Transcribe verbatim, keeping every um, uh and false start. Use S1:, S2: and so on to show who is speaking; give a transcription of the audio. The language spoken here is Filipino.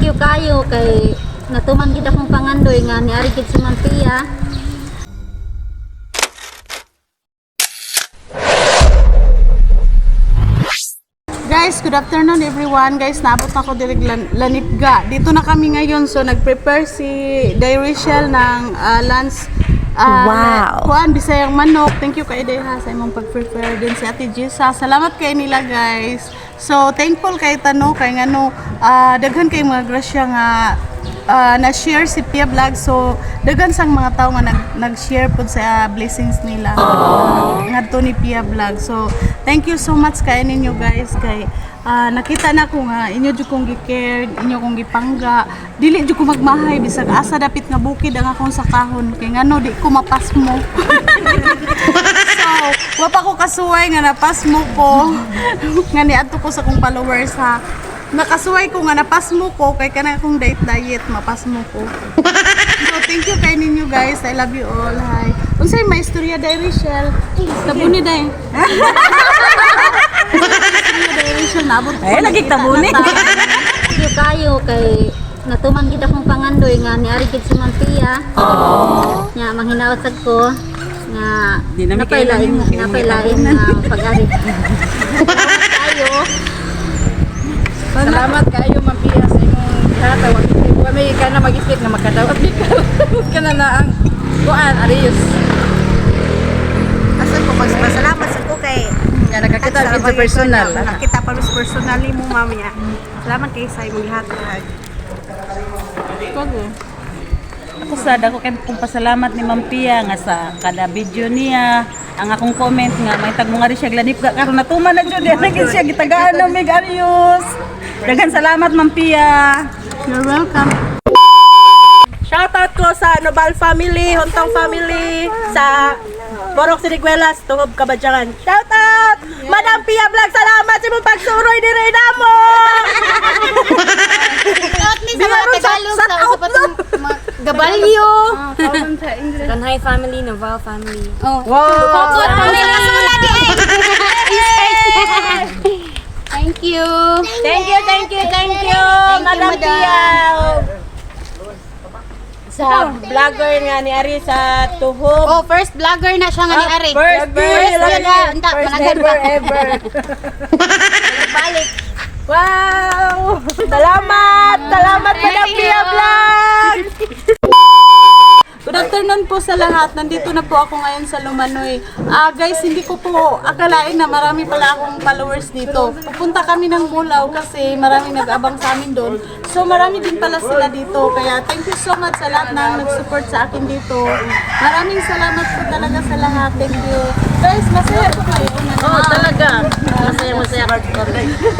S1: you kayo kay natuman gid akong pangandoy nga niari gid si Ma'am Pia.
S2: Guys, good afternoon everyone. Guys, naabot na ako direct lan Lanipga. Dito na kami ngayon. So, nag-prepare si Dairishel ng uh, lunch. Uh,
S3: Wow.
S2: Kuan, bisayang manok. Thank you kay Deha sa imong pag-prepare din si Ate Jisa. Salamat kay nila guys. So, thankful kay Tano kay ngano uh, daghan kay mga grasya nga uh, na-share si Pia Vlog. So, daghan sang mga tao nga nag nag-share pud sa uh, blessings nila. Uh, ngadto ni Pia Vlog. So, thank you so much kay ninyo guys kay uh, nakita na ko nga inyo jud kong gi-care, inyo kong gipangga. Dili jud ko magmahay bisag asa dapit nga bukid ang akong sakahon kay ngano di ko mapasmo. So, wa pa ko kasuway nga napasmo ko. Nga niadto ko sa kong followers ha. Nakasuway ko nga napasmo ko kay kana akong diet diet mapasmo ko. So thank you kay ninyo guys. I love you all. Hi. Unsay may istorya dai Rachel? Tabuni dai. Istorya dai Rachel nabot.
S3: Ay, lagi tabuni.
S1: Thank you kayo kay natuman gid akong pangandoy nga niari gid si Ma'am Pia. Oh. Nya manghinaot sad ko nga
S3: Di na mi
S1: napailain
S3: kailangan.
S1: napailain nga pag-ari. Kayo.
S4: Salamat kayo Ma'am Pia sa imong katawag. Wa may ka na mag-isip nga makadawat di ka. Kana na ang kuan Arius.
S3: Asan ko pasalamat sa ko kay
S4: Nga nakakita sa personal.
S3: Nakita pa mas personally mo mamaya. Salamat kay sa imong lahat. Ako sa dako kay kong pasalamat ni Ma'am Pia nga sa kada video niya. Ang akong comment nga may tag mga ri siya Lanipga karon natuman na jud naging siya gitagaan ng Mig Arius. Daghang salamat Ma'am Pia.
S2: You're welcome.
S5: Shoutout ko sa Nobal family, Hontong family, sa Borok Siniguelas, Tungob Kabadyangan. Shoutout! Madam Pia Vlog, salamat sa mong pagsuroy ni Reyna mo!
S1: At least sa mga Tagalog sa usapatong gabalyo.
S6: Kanhay family, Noval family.
S1: Oh.
S5: Wow!
S1: Thank you.
S5: Thank you, thank you, thank you, Madam
S1: Madam.
S5: Pia! Sa vlogger nga ni Ari sa Tuhog.
S1: Oh, first vlogger na siya nga ni Ari.
S5: First, first,
S1: First
S5: first,
S1: yun na. Anta,
S5: first
S1: managan
S5: ever,
S1: pa.
S5: ever. Balik. Wow! Salamat! Salamat, Madam Pia Vlog!
S2: Good afternoon po sa lahat. Nandito na po ako ngayon sa Lumanoy. Ah guys, hindi ko po akalain na marami pala akong followers dito. Pupunta kami ng Bulao kasi marami nag-abang sa amin doon. So marami din pala sila dito. Kaya thank you so much sa lahat na nag-support sa akin dito. Maraming salamat po talaga sa lahat. Thank you. Guys, masaya po kayo.
S4: Oh, talaga. Masaya masaya.